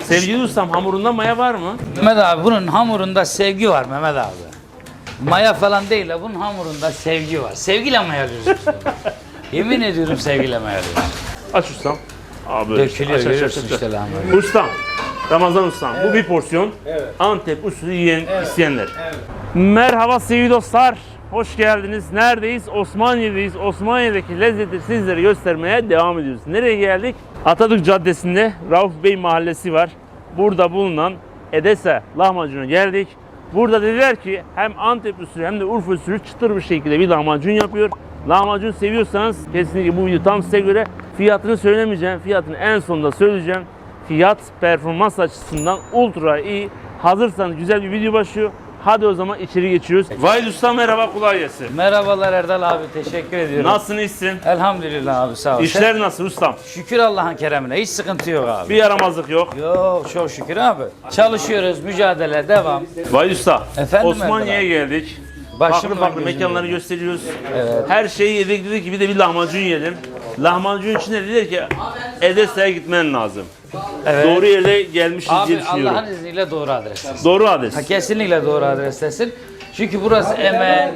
Sevgili ustam, hamurunda maya var mı? Mehmet abi bunun hamurunda sevgi var Mehmet abi. Maya falan değil de bunun hamurunda sevgi var. Sevgiyle mayalıyoruz biz bunu. Yemin ediyorum sevgiyle mayalıyoruz. Aç ustam. Abi böyle Dökülüyor, aç, görüyorsun aç. işte lahmacun. Ustam, Ramazan ustam, bu bir porsiyon. Antep usulü yiyen isteyenler. Merhaba sevgili dostlar, hoş geldiniz. Neredeyiz? Osmaniye'deyiz. Osmaniye'deki lezzeti sizlere göstermeye devam ediyoruz. Nereye geldik? Atatürk Caddesi'nde Rauf Bey Mahallesi var. Burada bulunan Edese lahmacuna geldik. Burada dediler ki hem Antep usulü hem de Urfa usulü çıtır bir şekilde bir lahmacun yapıyor. Lahmacun seviyorsanız kesinlikle bu video tam size göre. Fiyatını söylemeyeceğim. Fiyatını en sonunda söyleyeceğim. Fiyat performans açısından ultra iyi. Hazırsanız güzel bir video başlıyor. Hadi o zaman içeri geçiyoruz. Vahid Usta merhaba, kolay gelsin. Merhabalar Erdal abi, teşekkür ediyorum. Nasılsın, iyisin? Elhamdülillah abi, sağ ol. İşler nasıl ustam? Şükür Allah'ın keremine, hiç sıkıntı yok abi. Bir yaramazlık yok. Yok, çok şükür abi. Çalışıyoruz, mücadele devam. Vahid Usta, Efendim Osmaniye'ye geldik. Farklı farklı mekanları gösteriyoruz. Evet. Her şeyi yedik, dedik ki bir de bir lahmacun yiyelim. Lahmacun için de dediler ki Edese'ye gitmen lazım. Evet. Doğru yere gelmişiz diye Abi düşünüyorum. Allah'ın izniyle doğru adrestesin. Doğru adres. Kesinlikle doğru adrestesin. Çünkü burası emeğin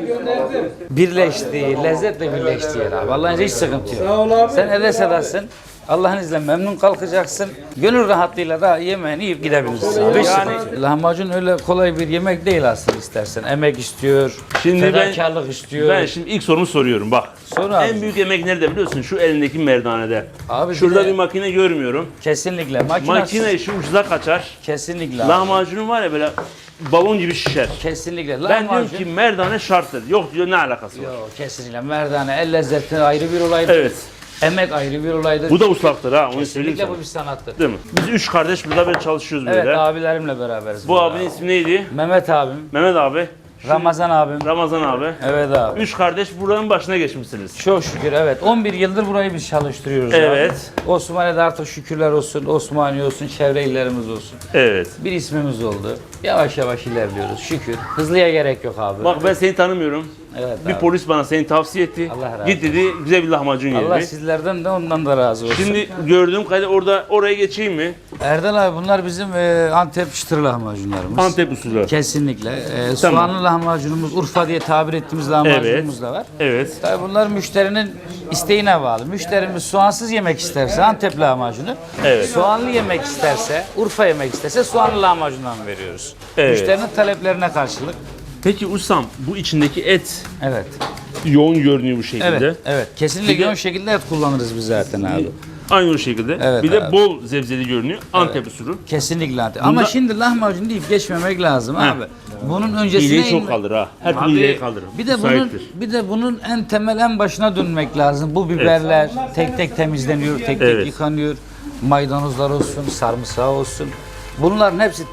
birleştiği, lezzetle birleştiği yer abi. Allah'ın izniyle hiç sıkıntı yok. Sen Edese'desin. Allah'ın izniyle memnun kalkacaksın. Gönül rahatlığıyla da yemeğini yiyip gidebilirsin abi. Hiç sıkıntı yok. Lahmacun öyle kolay bir yemek değil aslında istersen. Emek istiyor, fedakarlık istiyor. Ben şimdi ilk sorumu soruyorum bak. Sor abi. En büyük emek nerede biliyorsun? Şu elindeki merdanede. Abi Şurada bir de- bir makine görmüyorum. Kesinlikle. Makine işi ucuza kaçar. Kesinlikle abi. Lahmacunun var ya böyle balon gibi şişer. Kesinlikle. Ben diyorum Lahmacun. ki merdane şarttır. Yok diyor, ne alakası var? Yok, kesinlikle. Merdane, el lezzeti ayrı bir olaydır. Evet. Emek ayrı bir olaydır. Bu da ustaktır ha, onu söyleyeyim Kesinlikle sana. bu bir sanattır. Değil mi? Biz üç kardeş burada böyle çalışıyoruz Evet, böyle. abilerimle beraberiz. Bu burada. abinin ismi neydi? Mehmet abim, Mehmet abi. Ramazan abim. Ramazan abi. Evet abi. Üç kardeş buranın başına geçmişsiniz. Çok şükür, evet. 11 yıldır burayı biz çalıştırıyoruz Evet. abi. Osmaniye'de artık şükürler olsun, Osmaniye olsun, çevre illerimiz olsun. Evet. Bir ismimiz oldu. Yavaş yavaş ilerliyoruz şükür. Hızlıya gerek yok abi. Bak ben seni tanımıyorum. Evet Bir abi. polis bana seni tavsiye etti. Allah razı Git dedi, güzel bir lahmacun Allah yedi. sizlerden de ondan da razı olsun. Şimdi gördüğüm kadarıyla oraya geçeyim mi? Erdal abi bunlar bizim Antep çıtır lahmacunlarımız. Antep usulü. Kesinlikle. Tamam. Soğanlı lahmacunumuz, Urfa diye tabir ettiğimiz lahmacunumuz da var. Evet. Tabii bunlar müşterinin isteğine bağlı. Müşterimiz soğansız yemek isterse Antep lahmacunu, Evet. soğanlı yemek isterse, Urfa yemek isterse soğanlı lahmacundan veriyoruz. Evet. Müşterinin taleplerine karşılık. Peki ustam, bu içindeki et Evet. yoğun görünüyor bu şekilde. Evet. Evet. Kesinlikle Bir de- yoğun şekilde et kullanırız biz zaten abi. Aynı o şekilde. Evet bir de abi. bol zebzeli görünüyor. Antep usulü. Kesinlikle Antep. Ama şimdi lahmacun deyip geçmemek lazım abi. Bunun öncesine İğneyi çok kaldır ha. Her türlü Abi, iğneyi kaldırır. bir de bunun en temel en başına dönmek lazım. Bu biberler tek tek temizleniyor, tek tek Evet. yıkanıyor. Maydanozlar olsun, sarımsağı olsun. Bunların hepsi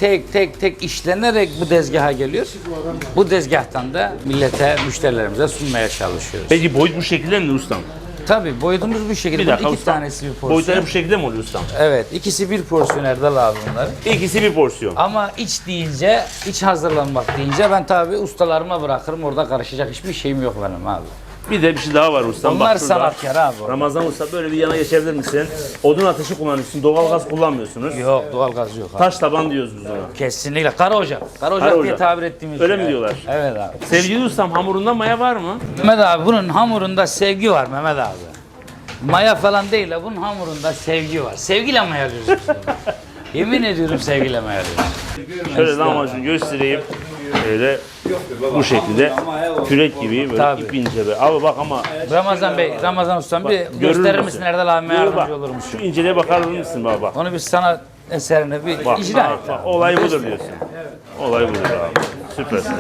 tek tek işlenerek bu tezgaha geliyor. Bu tezgahtan da millete, müşterilerimize sunmaya çalışıyoruz. Peki boyut bu şekilde mi ustam? Tabii boyutumuz bu şekilde. Bir dakika Bunun iki ustam. tanesi bir porsiyon. Boyutları bu şekilde mi oluyor ustam? Evet, ikisi bir porsiyon Erdal abi bunların. İkisi bir porsiyon. Ama iç deyince, iç hazırlanmak deyince ben tabii ustalarıma bırakırım. Orada karışacak hiçbir şeyim yok benim abi. Bir de bir şey daha var ustam. Onlar Bak şurada. sanatkar abi. Ramazan usta, böyle bir yana geçebilir misin? Odun ateşi kullanıyorsun, doğal gaz kullanmıyorsunuz. Yok, doğalgaz yok abi. Taş taban diyoruz biz ona. Kesinlikle. Kara ocak. Kara ocak Kara diye ocak. tabir ettiğimiz Öyle şey. mi diyorlar? Evet abi. Sevgili ustam, hamurunda maya var mı? Mehmet abi bunun hamurunda sevgi var Mehmet abi. Maya falan değil de bunun hamurunda sevgi var. Sevgiyle mayalıyoruz biz bunu. Yemin ediyorum sevgiyle mayalıyoruz. Şöyle lahmacun göstereyim. Böyle bu şekilde kürek gibi böyle Tabii. ip ince be. Abi bak ama Ramazan Bey, Ramazan Ustam bir görür gösterir müsün? misin Erdal abime Dur yardımcı bak, olur musun? şu inceliğe bakar mısın baba? Onu bir sanat eserine bir Bak, icra et. bak, olay budur diyorsun. Olay budur abi. Süpersin.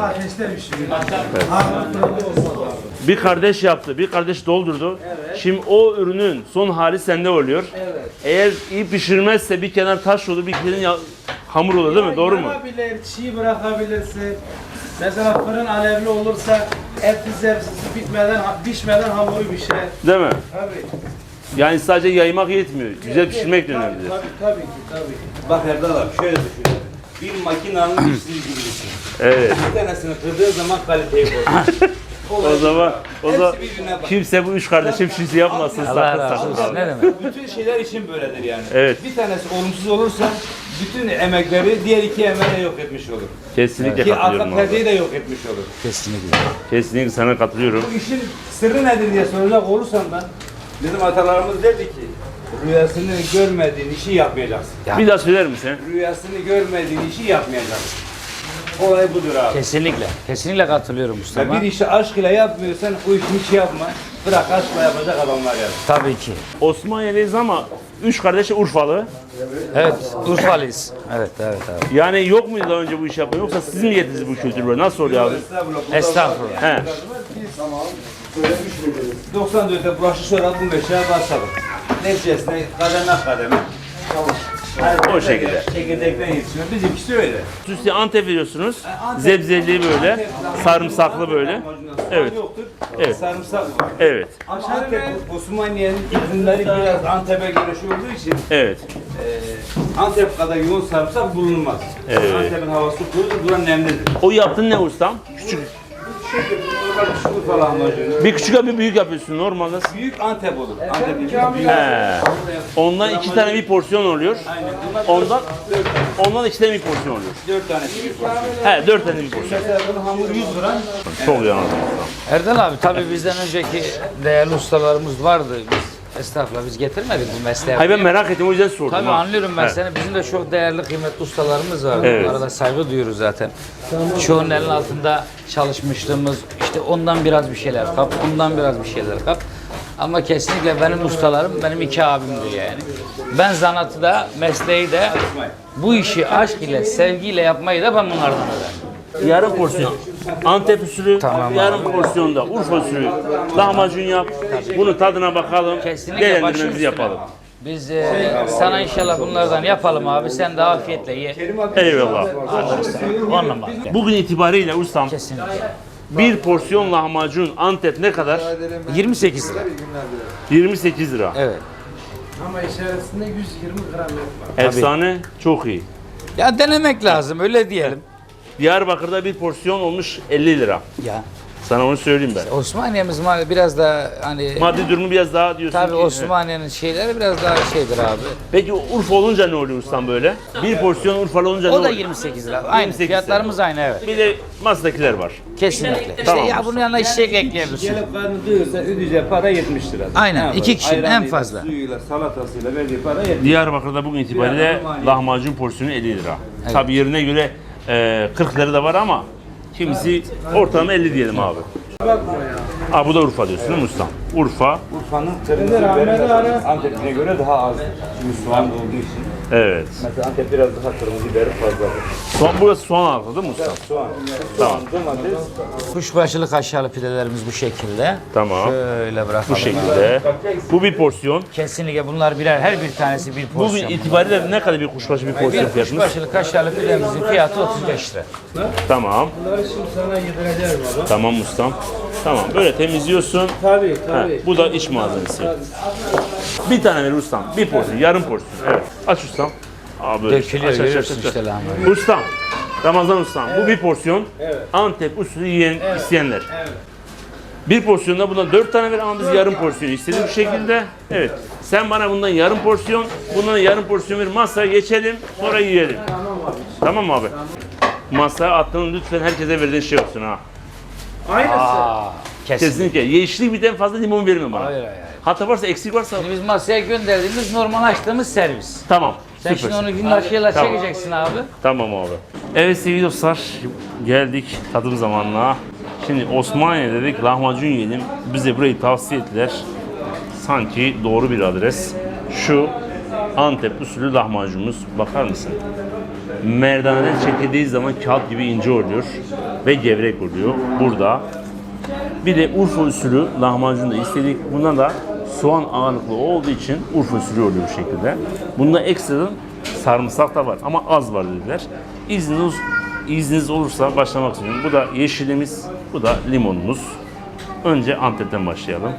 Bir kardeş yaptı, bir kardeş doldurdu. Şimdi o ürünün son hali sende oluyor. Eğer iyi pişirmezse bir kenar taş olur, bir kenar hamur olur değil mi? Doğru mu? Yanabilir, çiğ bırakabilirsin. Mesela fırın alevli olursa eti zevksiz bitmeden, pişmeden hamuru pişer. Değil mi? Tabii. Yani sadece yaymak yetmiyor. Güzel pişirmek de önemli. Tabii ki, tabii. Bak Erdal abi şöyle düşün. Bir makinanın işçisi gibi düşün. Evet. Bir tanesini kırdığın zaman kaliteyi bozuyor. O zaman Hepsi birbirine bak. kimse bu üç kardeşim şişi yapmasın. Allah Sakın razı sakın olsun. abi. Ne demek? Bütün şeyler için böyledir yani. Evet. Bir tanesi olumsuz olursa bütün emekleri diğer iki emeğe yok etmiş olur. Kesinlikle Ki arka katılıyorum abi. perdeyi de yok etmiş olur. Kesinlikle. Kesinlikle sana katılıyorum. Bu işin sırrı nedir diye soracak olursam ben, bizim atalarımız derdi ki, rüyasını görmediğin işi yapmayacaksın. Bir daha söyler misin? Rüyasını görmediğin işi yapmayacaksın. Olay budur abi. Kesinlikle. Kesinlikle katılıyorum Ve Mustafa. bir işi aşkıyla yapmıyorsan o işi hiç yapma. Bırak aşkla yapacak adamlar yani. Tabii ki. Osmaniye'deyiz ama 3 kardeş de Urfalı. Evet, Urfalıyız. Evet, evet abi. Yani yok muydu daha önce bu işi yapan yoksa siz mi getirdiniz bu kültürü böyle? Nasıl oluyor abi? Estağfurullah. He. 94'te bulaşık sonra bu meşeye başladık. Neticesinde kademe kademe. O şekilde. Çekirdekten yetişiyor. Bizimkisi öyle. Üstüne Antep veriyorsunuz. Zebzeli böyle. Sarımsaklı böyle. Evet. Yoktur. Evet. Sarımsak var. Evet. Ama Antep, Osmaniye'nin ürünleri biraz Antep'e göre şey olduğu için Evet. Antep kadar yoğun sarımsak bulunmaz. Evet. Antep'in havası kurudur, buranın nemlidir. O yaptığın ne ustam? Küçük. Normal küçük falan amacını. Bir küçük bir büyük yapıyorsun normalde. Büyük Antep olur. Antep'in büyük. He. Ondan 2 tane bir porsiyon oluyor. Aynen. Bunlar Ondan 2 tane bir porsiyon oluyor. 4 tanesi bir porsiyon. He 4 tane bir porsiyon. Mesela bunun hamuru 100 gram. Çok iyi anladım. Erdal abi tabii bizden önceki değerli ustalarımız vardı. Estağfurullah biz getirmedik bu mesleğe. Hayır ben merak ettim o yüzden sordum. Tabii ha. anlıyorum ben He. seni. Bizim de çok değerli, kıymetli ustalarımız var. Evet. Bu arada saygı duyuyoruz zaten. Çoğunun elinin altında çalışmışlığımız, işte ondan biraz bir şeyler kap, ondan biraz bir şeyler kap. Ama kesinlikle benim ustalarım, benim 2 abimdir yani. Ben zanatı da, mesleği de, bu işi aşk ile, sevgiyle yapmayı da ben bunlardan öğrendim. Yarım porsiyon. Antep usulü, Tamam yarım porsiyonda Urfa usulü lahmacun yap. Bunun tadına bakalım. Kesinlikle Değerlendirmemizi başım yapalım. Biz sana inşallah bunlardan yapalım abi. Sen de afiyetle ye. Eyvallah. On numara. Bugün itibariyle ustam Kesinlikle. bir porsiyon lahmacun Antep ne kadar? 28 lira. 28 lira. Evet. Ama içerisinde 120 gram et var. Efsane, çok iyi. Ya denemek lazım öyle diyelim. Diyarbakır'da bir porsiyon olmuş 50 lira. Ya Sana onu söyleyeyim ben. Osmaniye'miz biraz da hani Maddi durumu biraz daha diyorsun tabii ki. Osmaniye'nin şeyleri biraz daha şeydir abi. Peki Urfa olunca ne oluyor ustam böyle? Bir porsiyon Urfalı olunca ne O da oluyor? 28 lira. Aynı 28 fiyatlarımız aynı evet. Bir de masadakiler var. Kesinlikle. İşte Tamam. ya bunun yanına içecek ekleyebilirsin. Gelip karnı doyursa ödeyeceği para 70 lira. Aynen, Ne yapar? 2 kişinin en Ayranıyla, fazla. Suyuyla, salatasıyla verdiği para 70 lira. Diyarbakır'da bugün itibariyle lahmacun porsiyonu 50 lira. Tabii yerine göre 40 lira da var ama kimisi ortalama 50 diyelim abi. Bakma ya. Bu da Urfa diyorsun değil mi ustam? Urfa. Urfa'nın kırmızı biberi Antep'ine göre daha az. Çünkü soğan olduğu için. Evet. Mesela Antep biraz daha kırmızı biberi fazladır. Burası soğan altı değil mi ustam? Soğan, Tamam. domates. Kuşbaşılı kaşarlı pidelerimiz bu şekilde. Tamam. Şöyle bırakalım. Bu şekilde. Bu bir porsiyon. Kesinlikle bunlar birer, her bir tanesi bir Bugün porsiyon. itibariyle ne kadar bir kuşbaşı bir porsiyon Bir fiyatımız? kuşbaşılı kaşarlı pidemizin fiyatı 35 lira. Tamam. Bunları şimdi sana yedireceğim baba. Tamam ustam. Tamam böyle temizliyorsun. Tabii Ha, tabii. bu da iç malzemesi. Bir tane ver ustam. Bir porsiyon, yarım porsiyon. Evet. Aç ustam. Böyle. Dökülüyor, Aç, görüyorsun aç. işte lahmacun. Ustam. Ramazan ustam. Bu bir porsiyon. Evet. Antep usulü yiyen isteyenler. Evet. Bir porsiyonda bundan 4 tane ver ama biz yarım porsiyon istedik bu şekilde. Evet. Sen bana bundan yarım porsiyon, bundan yarım porsiyon ver. Masaya geçelim, sonra yiyelim. Tamam mı abi? Masaya attığın lütfen herkese verdiğin şey olsun ha. Aynısı. Kesinlikle. Kesinlikle. Yeşillik birden fazla limon verme bana. Hayır, hayır. Hata varsa, eksik varsa Şimdi biz masaya gönderdiğimiz normal açtığımız servis. tamam. Sen şimdi Süpersin. onu günlaşıyla Tamam. çekeceksin abi. Tamam abi. Evet sevgili dostlar, geldik tadım zamanına. Şimdi Osmaniye dedik, lahmacun yiyelim. Bize burayı tavsiye ettiler. Sanki doğru bir adres. Şu Antep usulü lahmacunumuz. Bakar mısın? Merdaneden çekildiği zaman kağıt gibi ince oluyor ve gevrek oluyor. Burada. Bir de Urfa usulü lahmacun da istedik. Bundan da soğan ağırlıklı olduğu için Urfa usulü oluyor bu şekilde. Bunda ekstradan sarımsak da var ama az var dediler. İzniniz olursa başlamak istiyorum. Bu da yeşilimiz, bu da limonumuz. Önce Antep'ten başlayalım.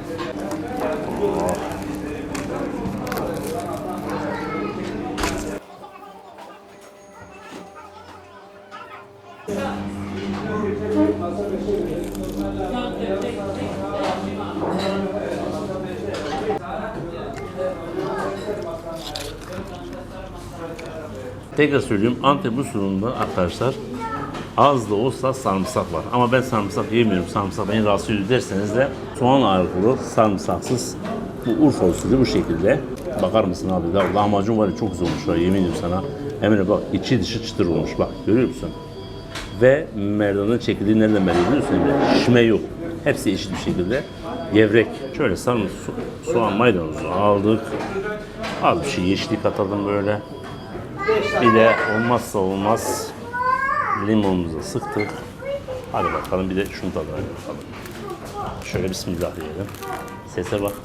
Tekrar söylüyorum, Antep usulünde arkadaşlar az da olsa sarımsak var. Ama ben sarımsak yemiyorum. Sarımsak beni rahatsız ediyor derseniz de soğan ağırlıklı, sarımsaksız bu Urfa usulü bu şekilde. Bakar mısın abi? Ya, lahmacun var ya çok güzel olmuş. Yemin ediyorum sana. Emre bak içi dışı çıtır olmuş. Bak görüyor musun? Ve merdanın çekildiği nereden belli biliyor musun Emre? Şişme yok. Hepsi eşit bir şekilde. Gevrek. Şöyle sarımsak, soğan, maydanozu aldık. Az bir şey yeşillik atalım böyle. Bir de olmazsa olmaz limonumuzu sıktık. Hadi bakalım bir de şunu tadına bakalım. Şöyle bismillah diyelim. Sese bak.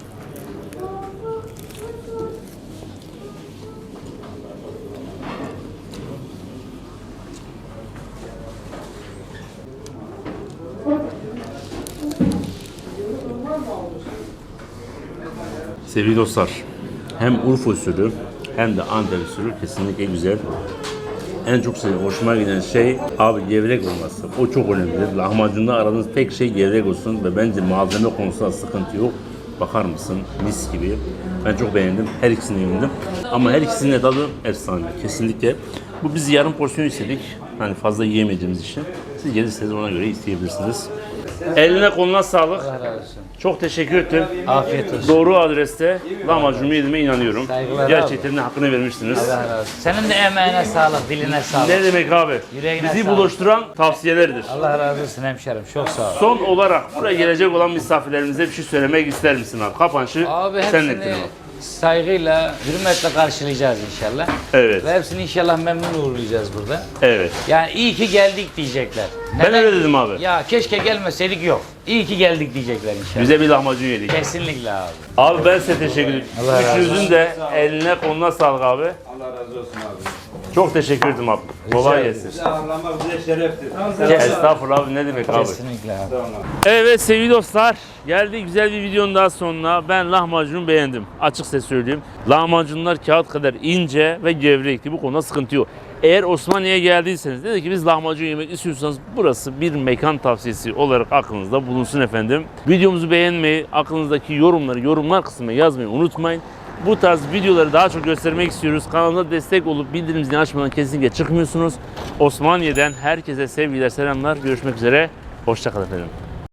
Sevgili dostlar, hem Urfa usulü hem de Antep usulü kesinlikle güzel. En çok hoşuma giden şey abi gevrek olması. O çok önemli. Lahmacunda aradığınız tek şey gevrek olsun ve bence malzeme konusunda sıkıntı yok. Bakar mısın? Mis gibi. Ben çok beğendim. Her ikisini yedim. Ama her ikisinin de tadı efsane. Kesinlikle. Bu biz yarım porsiyon istedik. Hani fazla yiyemediğimiz için. Siz gelirseniz ona göre isteyebilirsiniz. Eline koluna sağlık. Allah razı olsun. Çok teşekkür ettim. Afiyet olsun. Doğru adreste lahmacunumu yediğime inanıyorum. Saygılar Gerçekten de hakkını vermiştiniz. Allah razı olsun. Senin de emeğine sağlık, diline sağlık. Ne demek abi? Yüreğine Bizi sağlık. buluşturan tavsiyelerdir. Allah razı olsun hemşerim. Çok sağ ol. Son olarak buraya gelecek olan misafirlerimize bir şey söylemek ister misin abi? Kapanışı Abi senin hepsini ettin abi. saygıyla, hürmetle karşılayacağız inşallah. Evet. Ve hepsini inşallah memnun uğurlayacağız burada. Evet. Yani iyi ki geldik diyecekler. Ben öyle dedim abi. Ya keşke gelmeseydik yok. İyi ki geldik diyecekler inşallah. Bize bir lahmacun yedik. Kesinlikle abi. Abi ben size teşekkür ederim. Allah razı Üçünüzün de eline koluna sağlık abi. Allah razı olsun abi. Çok teşekkür ederim abi. Kolay ederim. gelsin. Bizi ağırlamak bize şereftir. Estağfurullah abi ne demek abi. Kesinlikle abi. Tamam. Evet sevgili dostlar, geldi güzel bir videonun daha sonuna. Ben lahmacunu beğendim. Açık ses söyleyeyim. Lahmacunlar kağıt kadar ince ve gevrekti. Bu konuda sıkıntı yok. Eğer Osmaniye'ye geldiyseniz, dedi ki biz lahmacun yemek istiyorsanız burası bir mekan tavsiyesi olarak aklınızda bulunsun efendim. Videomuzu beğenmeyi, aklınızdaki yorumları yorumlar kısmına yazmayı unutmayın. Bu tarz videoları daha çok göstermek istiyoruz. Kanalına destek olup bildirim zilini açmadan kesinlikle çıkmıyorsunuz. Osmaniye'den herkese sevgiler, selamlar. Görüşmek üzere. Hoşça kalın efendim.